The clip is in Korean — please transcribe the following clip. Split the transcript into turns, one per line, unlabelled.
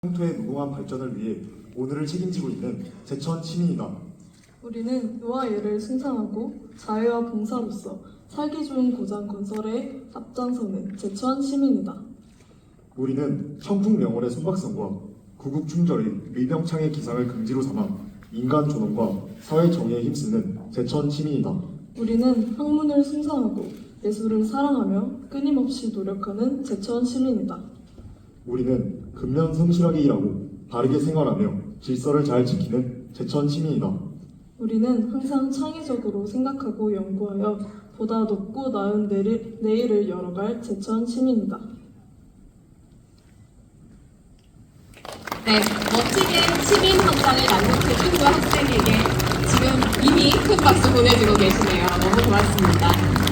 영토의 무궁한 발전을 위해 오늘을 책임지고 있는 제천 시민이다.
우리는 의와 예를 숭상하고 자유와 봉사로서 살기 좋은 고장 건설에 앞장서는 제천 시민이다.
우리는 청풍명월의 손박성과 구국 충절인 의병창의 기상을 긍지로 삼아 인간 존엄과 사회 정의에 힘쓰는 제천 시민이다.
우리는 학문을 숭상하고 예술을 사랑하며 끊임없이 노력하는 제천 시민이다.
우리는 근면 성실하게 일하고 바르게 생활하며 질서를 잘 지키는 제천 시민이다.
우리는 항상 창의적으로 생각하고 연구하여 보다 높고 나은 내일을 열어갈 제천 시민이다.
네, 멋지게 시민 성장을 만족해준 그 학생에게 지금 이미 큰 박수 보내주고 계시네요. 너무 고맙습니다.